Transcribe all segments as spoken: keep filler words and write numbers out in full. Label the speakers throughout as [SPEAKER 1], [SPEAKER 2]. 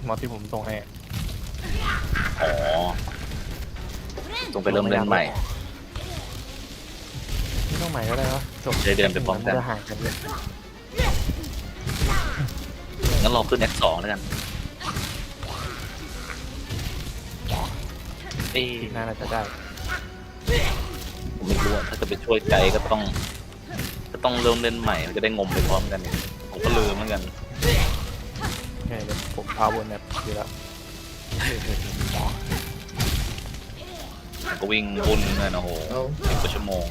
[SPEAKER 1] มอสที่ผมส่งให้
[SPEAKER 2] อ๋อต้องไปเริ่มเล่นใหม่
[SPEAKER 1] ไม่ต้องใหม่ก็ได้วะจบ
[SPEAKER 2] จะเดินไปพร้อมกัน
[SPEAKER 1] จะห่างกันเลย
[SPEAKER 2] งั้นรอขึ้น เอ็กซ์ สองแล้วกันเอ๊ะ
[SPEAKER 1] น่าจะได้
[SPEAKER 2] ผมไม่รู้ถ้าจะไปช่วยไกด์ก็ต้องก็ต้องเริ่มเล่นใหม่มันจะได้งมไปพร้อมกันผมก็ลืมเหมือนกัน
[SPEAKER 1] โอเคเดี๋ยวผมพาวนแบบอยู่แล้ว
[SPEAKER 2] ก็วิ่งวุ่นเลยนะโหสิบกว่าชั่วโมง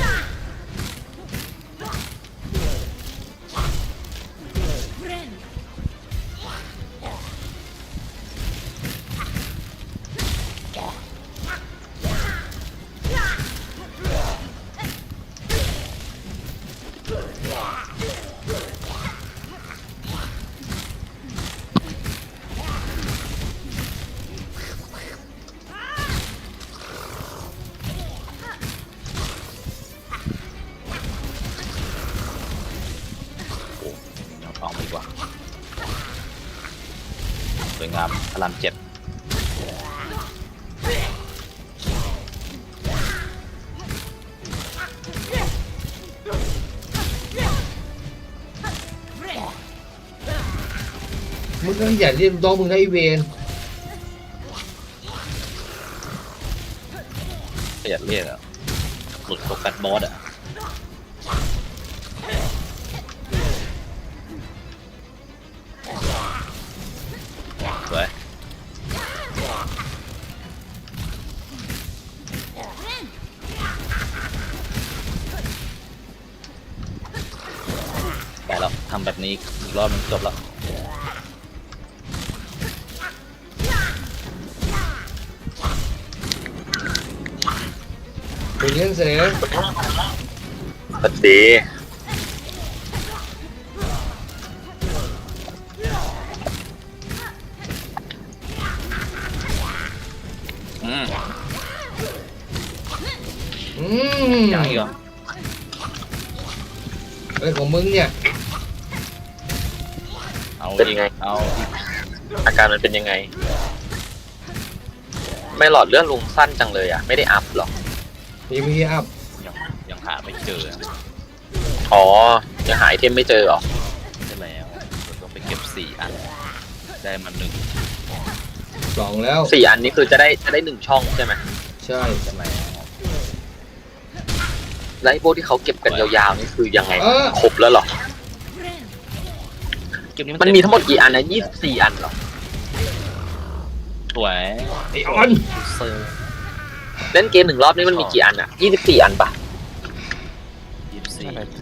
[SPEAKER 2] เอาดีกว่าสวยงามพลังเจ็ด
[SPEAKER 3] มึงก็อย่าเรียกน้องมึงนะไอเวน
[SPEAKER 2] ขยันเรียกอ่ะหลุดโฟกัสบอสอ่ะสวยไปแล้วทำแบบนี้อีกรอบนึงจบแล้ว
[SPEAKER 3] ไปเลี้ยงเสร็จ
[SPEAKER 2] สวัสดีอืม
[SPEAKER 3] อืม
[SPEAKER 2] ยังอีกเหรอ
[SPEAKER 3] อะไรของมึงเนี่ย
[SPEAKER 2] เอาเป็นยังไงเอา
[SPEAKER 4] อาการมันเป็นยังไงไม่หลอดเลือดลุงสั้นจังเลยอ่ะไม่ได้อัพหรอ
[SPEAKER 3] มีมีอัพ
[SPEAKER 2] ยังยังหาไม่เจอ
[SPEAKER 4] อ๋อยังหาไอเทมไม่เจอหรอ
[SPEAKER 2] ใช่แล้วต้องไปเก็บสี่อันได้มาหนึ่ง
[SPEAKER 3] สองแล้ว
[SPEAKER 4] สี่อันนี้คือจะได้จะได้หนึ่งช่องใช่ไหม
[SPEAKER 3] ใช่
[SPEAKER 2] ใช่ไหม
[SPEAKER 4] แล้วไอ้พวกที่เขาเก็บกันยาวๆนี่คือยังไงครบแล้วหรอมันมีทั้งหมดกี่อันนะยี่สิบสี่อันหรอ
[SPEAKER 2] สวย
[SPEAKER 3] ไอออน
[SPEAKER 4] เล่นเกมหนึ่งรอบนี้มันมีกี่อันอ่ะยี่สิบสี่อันปะ